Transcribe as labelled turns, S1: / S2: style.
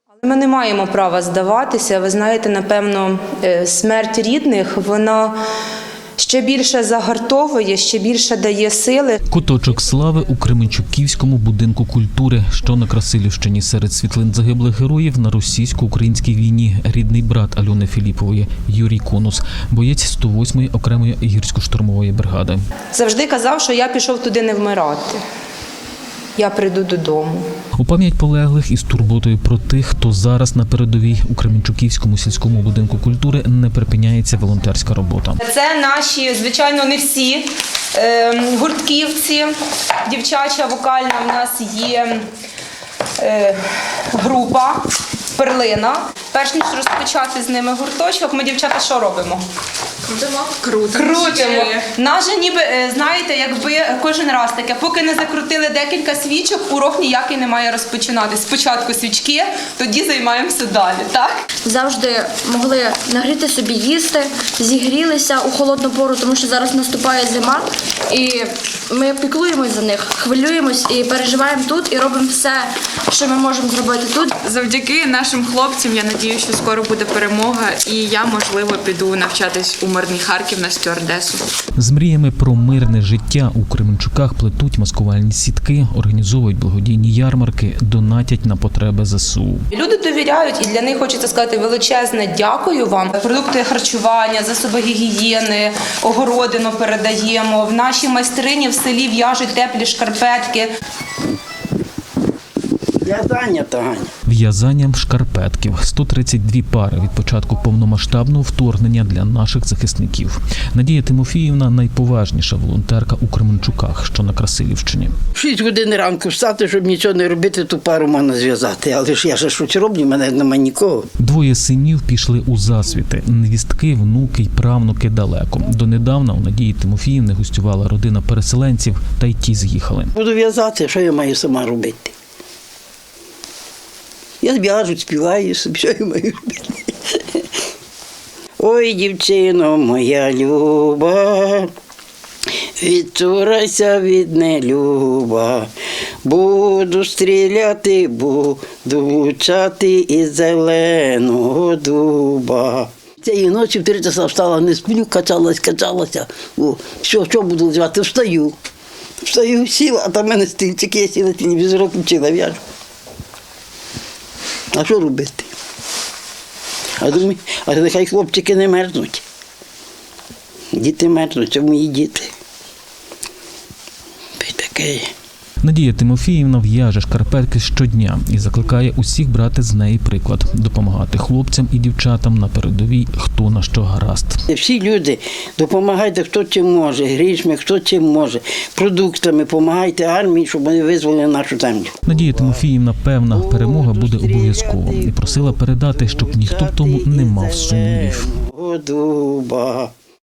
S1: Ми не маємо права здаватися. Ви знаєте, напевно, смерть рідних, вона ще більше загартовує, ще більше дає сили.
S2: Куточок слави у Кременчуківському будинку культури, що на Красилівщині. Серед світлин загиблих героїв на російсько-українській війні рідний брат Альони Філіпової Юрій Конус, боєць 108-ї окремої гірсько-штурмової бригади.
S1: Завжди казав, що я пішов туди не вмирати. Я прийду додому.
S2: У пам'ять полеглих із турботою про тих, хто зараз на передовій у Кременчуківському сільському будинку культури не припиняється волонтерська робота.
S1: Це наші, звичайно, не всі гуртківці. Дівчача вокальна в нас є група «Перлина». Перш ніж розпочати з ними гурточок, ми, дівчата, що робимо? Крутимо. Нас же ніби, знаєте, якби кожен раз таке, поки не закрутили декілька свічок, урок ніякий не має розпочинатись. Спочатку свічки, тоді займаємося далі, так?
S3: Завжди могли нагріти собі їсти, зігрілися у холодну пору, тому що зараз наступає зима, і ми піклуємось за них, хвилюємось і переживаємо тут, і робимо все, що ми можемо зробити тут.
S4: Завдяки нашим хлопцям, я надію, що скоро буде перемога, і я, можливо, піду навчатись у мирний Харків на стюардесу.
S2: З мріями про мирне життя у Кременчуках плетуть маскувальні сітки, організовують благодійні ярмарки, донатять на потреби ЗСУ.
S1: Люди довіряють, і для них хочеться сказати величезне дякую вам. Продукти харчування, засоби гігієни, огородину передаємо. В нашій майстрині в селі в'яжуть теплі шкарпетки.
S5: В'язання, Таня.
S2: В'язанням шкарпетків. 132 пари від початку повномасштабного вторгнення для наших захисників. Надія Тимофіївна – найповажніша волонтерка у Кременчуках, що на Красилівщині.
S5: 6 годин ранку встати, щоб нічого не робити, ту пару можна зв'язати. Але ж я ж щось роблю, в мене немає нікого.
S2: Двоє синів пішли у засвіти. Невістки, внуки й правнуки далеко. Донедавна у Надії Тимофіївни гостювала родина переселенців, та й ті з'їхали.
S5: Буду в'язати, що я маю сама робити? Я в'яжу, співаю собі, що я маю робити. Ой, дівчино моя люба, відчурайся від нелюба, буду стріляти, буду влучати із зеленого дуба. Цієї ночі в 3 часа встала, не сплю, качалася. О, що буду звати? Встаю, сіла, а там в мене стільчики, я сіла, телевізор включила, в'яжу. А що робити? А думаю, а нехай хлопчики не мерзнуть. Діти мерзнуть, а мої діти. Таке.
S2: Надія Тимофіївна в'яже шкарпетки щодня і закликає усіх брати з неї приклад, допомагати хлопцям і дівчатам на передовій, хто на що гаразд.
S5: Всі люди, допомагайте, хто чим може, грішми, хто чим може, продуктами, допомагайте армії, щоб вони визволили нашу землю.
S2: Надія Тимофіївна певна, перемога буде обов'язково і просила передати, щоб ніхто в тому не мав сумнівів.
S5: Дуба.